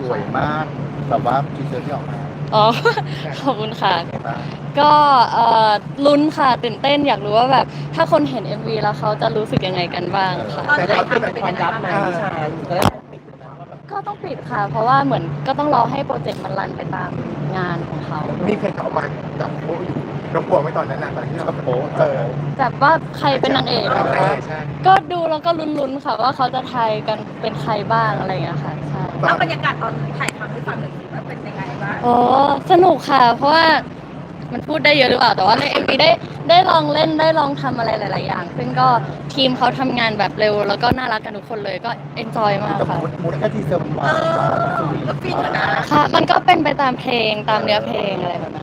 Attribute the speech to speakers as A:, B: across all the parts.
A: วยมากแบบว่าทีเซอร์ที่ออกมา
B: อ๋อ ขอบคุณค่ะ
A: ไงบ้าง
B: ก็ลุ้นค่ะตื่นเต้นอยากรู้ว่าแบบถ้าคนเห็น MV แล้วเขาจะรู้สึกยังไงกันบ้างค่ะ
C: แต่เขาเป็นแบบความลับไหมนิชาจะได้ปิดเลยนะว่าแบบ
B: ก็ต้องปิดค่ะ เพราะว่าเหมือนก็ต้องรอให้โปรเจกต์มันรันไปตามงานของเขา
D: มีเคยเข้ามาจับโป๊ะอยู่เรากลัวไหมตอนนั้นนะตอนที่เราโป๊ะ
B: แบบว่าใครเป็นนางเอก
D: ใช่ใช่
B: ก็ดูแล้วก็ลุ้นๆค่ะว่าเขาจะทายกันเป็นใครบ้างอะไรอย่างเงี้ยค่ะใช่
E: แล้วบรรยากาศตอนถ่ายทำให้ฟังหน่อยสิว่าเป็นยังไงบ้าง
B: โอ้สนุกค่ะ เพราะว่ามันพูดได้เยอะหรือเปล่าแต่ว่าใน MV ได้ลองเล่นได้ลองทำอะไรหลาย ๆ อย่าง ซึ่งก็ทีมเขาทำงานแบบเร็วแล้วก็น่ารักกันทุกคนเลยก็เอนจอยมาก
A: แต่
B: ค่ะ
A: มูดแค่ทีเซอร์มันหวานมากสวีท
E: ก็ฟินอยู่นะ
B: ค่ะ มันก็เป็นไปตามเพลงตามเนื้อเพลงอะไรแบบนั้น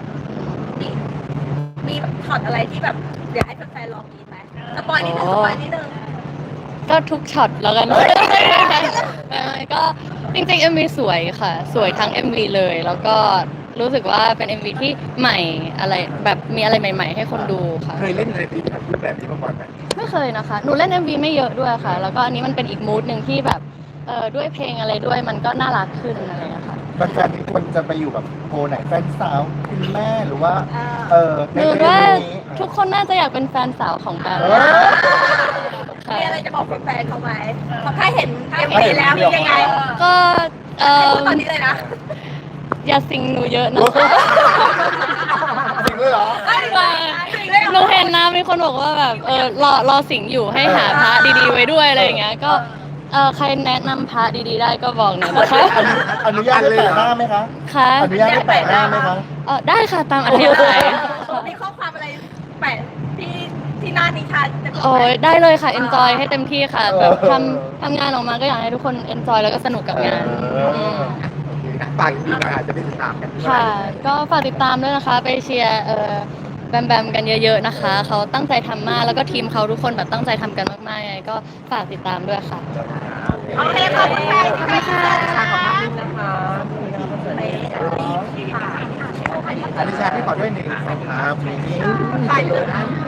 E: มีช็อตอะไรที่แบบเดี๋ยวให้แฟนๆลองกินไหมสปอยนิดนึงสปอยนิดนึง
B: ก็ทุกช็อตแล้วกัน ก็จริงๆ MV สวยค่ะ สวยทั้ง MV เลยแล้วก็รู้สึกว่าเป็น MV ที่ใหม่อะไรแบบมีอะไรใหม่ ๆ ให้คนดูค่ะ
D: เคยเล่นอะไรที่แบบรูปแบบนี้มาก่อนไหม
B: ไม่เคยนะคะ หนูเล่น MV ไม่เยอะด้วยค่ะ แล้วก็อันนี้มันเป็นอีกมูดหนึ่งที่แบบด้วยเพลงอะไรด้วยมันก็น่ารักขึ้นอะไรอย่างเงี้ยค่ะ
A: แฟนๆทุกคนจะไปอยู่แบบโพลไหนแฟนสาวคุณแม่หรือว่าใน
B: หนู
A: เรื่อง
B: ว่า
A: นี้
B: ทุกคนน่าจะอยากเป็นแฟนสาวของแบมค่ะ
E: มีอะไรจะบอกแฟนๆเขาไหมเพราะถ้าเห็นเอ็มวีแล้วเป็นยังไง
B: ก็
E: พูดตอนนี้เลยนะ
B: อย่าสิงหนูเยอะนะคะ
D: จริงเลยเหรอ
B: หนูเห็นนะมีคนบอกว่าแบบรอสิงอยู่ให้หาพระดีๆไว้ด้วยอะไรอย่างเงี้ยก็ใครแนะนำพระดีๆได้ก็บอกหน่อยนะคะ
A: อนุญาตให้แปะหน้าไหมคะ
B: ค่ะ
A: อนุญาตให้แปะหน้าไหมคะ
B: ได้ค่ะตามอัธยาศัย
E: มีข้อความอะไรแปะที่หน้านิชาจะบอก
B: โอ้
E: ไหม
B: ยได้เลยค่ะ enjoy ให้เต็มที่ค่ะ แบบ
A: เออ
B: ทำงานออกมาก็อยากให้ทุกคน enjoy แล้วก็สนุกกับงาน ม
D: โอเคนะฝากอีกทีหน่อยอาจจะได้ติดตามกันด้วย
B: ค่ะ ก็ฝากติดตามด้วยนะคะ ไปเชียร์แบมแบมกันเยอะๆนะคะ เขาตั้งใจทำมาก แล้วก็ทีมเขาทุกคนแบบตั้งใจทำกันมากๆยังไงก็ฝากติดตามด้วยค่ะ
E: โอเคขอบคุณค่ะขอบคุณค่ะ
D: อนิชาพี่ขอด้วยหนึ่งสองครับนี่
E: ถ่ายรูป